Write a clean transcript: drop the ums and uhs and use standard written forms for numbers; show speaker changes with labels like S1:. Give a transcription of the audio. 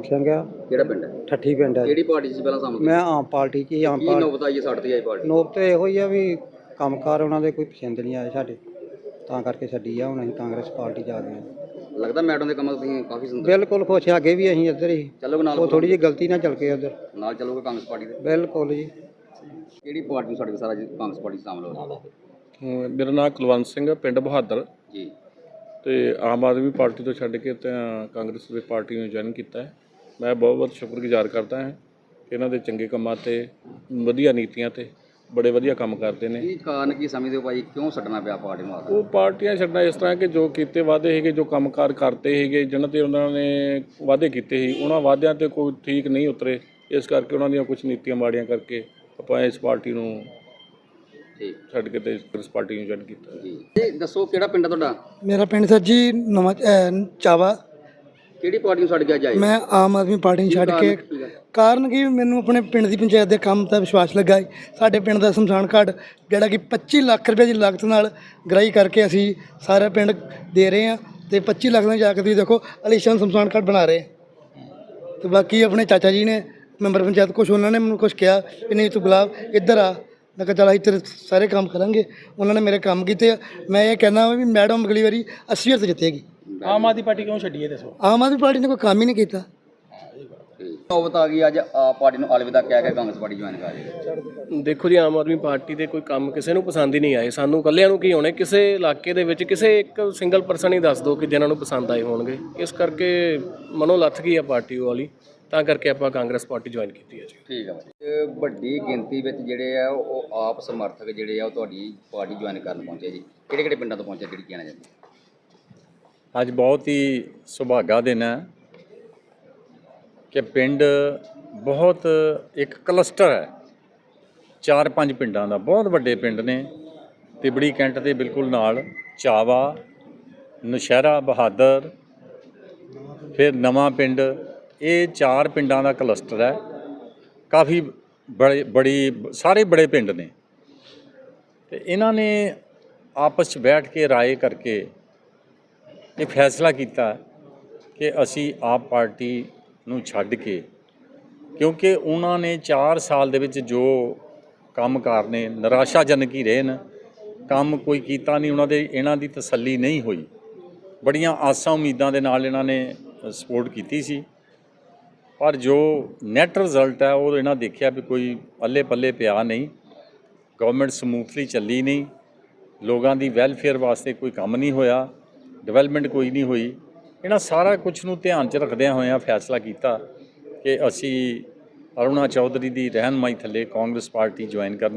S1: ਸਿੰਘ ਆ।
S2: ਕਿਹੜਾ ਪਿੰਡ ਹੈ?
S1: ਠੱਠੀ ਪਿੰਡ ਹੈ।
S2: ਕਿਹੜੀ ਪਾਰਟੀ ਸੀ ਪਹਿਲਾਂ ਸਾਹਮਣੇ?
S1: ਮੈਂ ਆਮ ਪਾਰਟੀ 'ਚ ਹੀ। ਆਮ
S2: ਕੀ
S1: ਪਾਰਟੀ
S2: ਨੌਬਤ ਆਈ ਹੈ ਸਾਡੇ ਤੇ ਆਈ ਪਾਰਟੀ?
S1: ਨੋਬ ਤੇ ਇਹੋ ਹੀ ਆ ਵੀ ਕੰਮਕਾਰ ਉਹਨਾਂ ਦੇ ਕੋਈ ਪਸੰਦ ਨਹੀਂ ਆਏ ਸਾਡੇ, ਤਾਂ ਕਰਕੇ ਛੱਡੀ ਆ। ਹੁਣ ਅਸੀਂ ਕਾਂਗਰਸ ਪਾਰਟੀ 'ਚ ਆ ਗਏ ਹਾਂ।
S2: ਲੱਗਦਾ ਮੈਡਮ ਦੇ ਕੰਮਾਂ ਤੋਂ ਤੁਸੀਂ ਕਾਫੀ ਸੰਤੁਸ਼ਟ?
S1: ਬਿਲਕੁਲ ਖੁਸ਼ ਆ। ਅੱਗੇ ਵੀ ਅਸੀਂ ਇੱਧਰ ਹੀ
S2: ਚੱਲੋਗੇ ਨਾਲ?
S1: ਉਹ ਥੋੜੀ ਜਿਹੀ ਗਲਤੀ ਨਾਲ ਚੱਲ ਕੇ ਉੱਧਰ
S2: ਨਾਲ ਚੱਲੋਗੇ ਕਾਂਗਰਸ ਪਾਰਟੀ ਦੇ?
S1: ਬਿਲਕੁਲ ਜੀ।
S2: ਕਿਹੜੀ ਪਾਰਟੀ ਨੂੰ ਸਾਡੇ ਸਾਰਾ ਜੀ ਕਾਂਗਰਸ ਪਾਰਟੀ 'ਚ ਸ਼ਾਮਲ ਹੋ?
S3: ਮੇਰਾ ਨਾਮ ਕੁਲਵੰਤ ਸਿੰਘ ਹੈ, ਪਿੰਡ ਬਹਾਦਰ
S2: ਜੀ।
S3: ਤੇ ਆਮ ਆਦਮੀ ਪਾਰਟੀ ਤੋਂ ਛੱਡ ਕੇ ਤਾਂ ਕਾਂਗਰਸ ਦੀ ਪਾਰਟੀ ਨੂੰ ਜੁਆਇਨ ਕੀਤਾ ਹੈ। ਮੈਂ ਬਹੁਤ ਬਹੁਤ ਸ਼ੁਕਰਗੁਜ਼ਾਰ ਕਰਦਾ ਹਾਂ ਇਹਨਾਂ ਦੇ ਚੰਗੇ ਕੰਮਾਂ ਤੇ, ਵਧੀਆ ਨੀਤੀਆਂ ਤੇ ਬੜੇ ਵਧੀਆ ਕੰਮ ਕਰਦੇ ਨੇ।
S2: ਕੀ ਕਾਰਨ ਕੀ ਸਮਝਦੇ ਹੋ ਭਾਈ, ਕਿਉਂ ਛੱਡਣਾ ਪਿਆ ਪਾਰਟੀ ਨੂੰ?
S3: ਉਹ ਪਾਰਟੀਆਂ ਛੱਡਣਾ ਇਸ ਤਰ੍ਹਾਂ ਕਿ ਜੋ ਕੀਤੇ ਵਾਅਦੇ ਸੀਗੇ, ਜੋ ਕੰਮਕਾਰ ਕਰਤੇ ਸੀਗੇ, ਜਿਹਨਾਂ ਤੇ ਉਹਨਾਂ ਨੇ ਵਾਅਦੇ ਕੀਤੇ ਸੀ, ਉਹਨਾਂ ਵਾਅਦਿਆਂ ਤੇ ਕੋਈ ਠੀਕ ਨਹੀਂ ਉਤਰੇ। ਇਸ ਕਰਕੇ ਉਹਨਾਂ ਦੀਆਂ ਕੁਝ ਨੀਤੀਆਂ ਮਾੜੀਆਂ ਕਰਕੇ ਆਪਾਂ ਇਸ ਪਾਰਟੀ ਨੂੰ ਛੱਡ ਕੇ ਤੇ ਕਾਂਗਰਸ ਪਾਰਟੀ ਨੂੰ ਜੁਆਇਨ ਕੀਤਾ।
S2: ਜੀ ਇਹ ਦੱਸੋ ਕਿਹੜਾ ਪਿੰਡ ਹੈ ਤੁਹਾਡਾ?
S4: ਮੇਰਾ ਪਿੰਡ ਸਰ ਜੀ ਨਵਾਂ ਚਾਵਾ।
S2: ਕਿਹੜੀ ਪਾਰਟੀ ਨੂੰ ਛੱਡ ਕੇ ਅੱਜ ਆਏ?
S4: ਮੈਂ ਆਮ ਆਦਮੀ ਪਾਰਟੀ ਨੂੰ ਛੱਡ ਕੇ, ਕਾਰਨ ਕਿ ਮੈਨੂੰ ਆਪਣੇ ਪਿੰਡ ਦੀ ਪੰਚਾਇਤ ਦੇ ਕੰਮ ਦਾ ਵਿਸ਼ਵਾਸ ਲੱਗਾ ਹੈ। ਸਾਡੇ ਪਿੰਡ ਦਾ ਸ਼ਮਸ਼ਾਨ ਘਾਟ ਜਿਹੜਾ ਕਿ 25 ਲੱਖ ਰੁਪਏ ਦੀ ਲਾਗਤ ਨਾਲ ਗ੍ਰਾਈ ਕਰਕੇ ਅਸੀਂ ਸਾਰਾ ਪਿੰਡ ਦੇ ਰਹੇ ਹਾਂ, ਤੇ 25 ਲੱਖ ਨਾਲ ਜਾ ਕੇ ਤੁਸੀਂ ਦੇਖੋ ਅਲੀਸ਼ਾਨ ਸ਼ਮਸ਼ਾਨ ਘਾਟ ਬਣਾ ਰਹੇ। ਤੇ ਬਾਕੀ ਆਪਣੇ ਚਾਚਾ ਜੀ ਨੇ ਮੈਂਬਰ ਪੰਚਾਇਤ, ਕੁਛ ਉਹਨਾਂ ਨੇ ਮੈਨੂੰ ਕੁਛ ਕਿਹਾ ਕਿ ਨਹੀਂ ਤੂੰ ਗੁਲਾਬ ਇੱਧਰ ਆ। ਮੈਂ ਕਿਹਾ ਚੱਲ ਅਸੀਂ ਤੇਰੇ ਸਾਰੇ ਕੰਮ ਕਰਾਂਗੇ। ਉਹਨਾਂ ਨੇ ਮੇਰੇ ਕੰਮ ਕੀਤੇ ਆ। ਮੈਂ ਇਹ ਕਹਿਣਾ ਵੀ ਮੈਡਮ ਅਗਲੀ ਵਾਰੀ 80 ਤੇ ਜਿੱਤੇਗੀ।
S1: ਆਮ ਆਦਮੀ ਪਾਰਟੀ ਕਿਉਂ ਛੱਡੀ ਹੈ ਦੱਸੋ?
S4: ਆਮ ਆਦਮੀ ਪਾਰਟੀ ਨੇ ਕੋਈ ਕੰਮ ਹੀ ਨਹੀਂ ਕੀਤਾ।
S2: ਨੌਬਤ ਆ ਗਈ ਅੱਜ ਆਪ ਪਾਰਟੀ ਨੂੰ ਅਲਵਿਦਾ ਕਹਿ ਕੇ ਕਾਂਗਰਸ ਪਾਰਟੀ ਜੁਆਇਨ ਕਰ ਰਹੇ।
S5: ਦੇਖੋ ਜੀ, ਆਮ ਆਦਮੀ ਪਾਰਟੀ ਦੇ ਕੋਈ ਕੰਮ ਕਿਸੇ ਨੂੰ ਪਸੰਦ ਹੀ ਨਹੀਂ ਆਏ। ਸਾਨੂੰ ਇਕੱਲਿਆਂ ਨੂੰ ਕੀ ਹੋਣੇ, ਕਿਸੇ ਇਲਾਕੇ ਦੇ ਵਿੱਚ ਕਿਸੇ ਇੱਕ ਸਿੰਗਲ ਪਰਸਨ ਹੀ ਦੱਸ ਦਿਓ ਕਿ ਜਿਨ੍ਹਾਂ ਨੂੰ ਪਸੰਦ ਆਏ ਹੋਣਗੇ। ਇਸ ਕਰਕੇ ਮਨੋਂ ਲੱਥ ਗਈ ਆ ਪਾਰਟੀ ਵਾਲੀ, ਤਾਂ ਕਰਕੇ ਆਪਾਂ ਕਾਂਗਰਸ ਪਾਰਟੀ ਜੁਆਇਨ ਕੀਤੀ ਹੈ ਜੀ।
S2: ਠੀਕ ਹੈ ਭਾਈ। ਵੱਡੀ ਗਿਣਤੀ ਵਿੱਚ ਜਿਹੜੇ ਆ ਉਹ ਆਪ ਸਮਰਥਕ ਜਿਹੜੇ ਆ ਉਹ ਤੁਹਾਡੀ ਪਾਰਟੀ ਜੁਆਇਨ ਕਰਨ ਪਹੁੰਚੇ ਜੀ। ਕਿਹੜੇ ਕਿਹੜੇ ਪਿੰਡਾਂ ਤੋਂ ਪਹੁੰਚੇ, ਜਿਹੜੀ ਕਹਿਣਾ ਚਾਹੁੰਦੇ?
S6: ਅੱਜ ਬਹੁਤ ਹੀ ਸੁਭਾਗਾ ਦਿਨ ਹੈ ਕਿ ਪਿੰਡ ਬਹੁਤ ਇੱਕ ਕਲਸਟਰ ਹੈ, 4-5 ਪਿੰਡਾਂ ਦਾ, ਬਹੁਤ ਵੱਡੇ ਪਿੰਡ ਨੇ। ਤਿਬੜੀ ਕੈਂਟ ਦੇ ਬਿਲਕੁਲ ਨਾਲ ਚਾਵਾ, ਨੌਸ਼ਹਿਰਾ, ਬਹਾਦਰ, ਫਿਰ ਨਵਾਂ ਪਿੰਡ, ਇਹ 4 ਪਿੰਡਾਂ ਦਾ ਕਲਸਟਰ ਹੈ। ਕਾਫੀ ਸਾਰੇ ਬੜੇ ਪਿੰਡ ਨੇ, ਤੇ ਇਹਨਾਂ ਨੇ ਆਪਸ 'ਚ ਬੈਠ ਕੇ ਰਾਏ ਕਰਕੇ ਇਹ ਫੈਸਲਾ ਕੀਤਾ ਕਿ ਅਸੀਂ ਆਪ ਪਾਰਟੀ ਨੂੰ ਛੱਡ ਕੇ, ਕਿਉਂਕਿ ਉਹਨਾਂ ਨੇ 4 ਸਾਲ ਦੇ ਵਿੱਚ ਜੋ ਕੰਮਕਾਰ ਨੇ ਨਿਰਾਸ਼ਾਜਨਕ ਹੀ ਰਹੇ ਨੇ। ਕੰਮ ਕੋਈ ਕੀਤਾ ਨਹੀਂ ਉਹਨਾਂ ਦੇ, ਇਹਨਾਂ ਦੀ ਤਸੱਲੀ ਨਹੀਂ ਹੋਈ। ਬੜੀਆਂ ਆਸਾਂ ਉਮੀਦਾਂ ਦੇ ਨਾਲ ਇਹਨਾਂ ਨੇ ਸਪੋਰਟ ਕੀਤੀ ਸੀ, ਪਰ ਜੋ ਨੈਟ ਰਿਜ਼ਲਟ ਹੈ ਉਹ ਇਹਨਾਂ ਦੇਖਿਆ ਵੀ ਕੋਈ ਅੱਲੇ ਪੱਲੇ ਪਿਆ ਨਹੀਂ। ਗਵਰਨਮੈਂਟ ਸਮੂਥਲੀ ਚੱਲੀ ਨਹੀਂ, ਲੋਕਾਂ ਦੀ ਵੈਲਫੇਅਰ ਵਾਸਤੇ ਕੋਈ ਕੰਮ ਨਹੀਂ ਹੋਇਆ, ਡਿਵੈਲਪਮੈਂਟ ਕੋਈ ਨਹੀਂ ਹੋਈ। ਇਹਨਾਂ ਸਾਰਾ ਕੁਝ ਨੂੰ ਧਿਆਨ 'ਚ ਰੱਖਦਿਆਂ ਹੋਇਆਂ ਫੈਸਲਾ ਕੀਤਾ ਕਿ ਅਸੀਂ ਅਰੁਣਾ ਚੌਧਰੀ ਦੀ ਰਹਿਨੁਮਾਈ ਥੱਲੇ ਕਾਂਗਰਸ ਪਾਰਟੀ ਜੁਆਇਨ ਕਰਨੀ।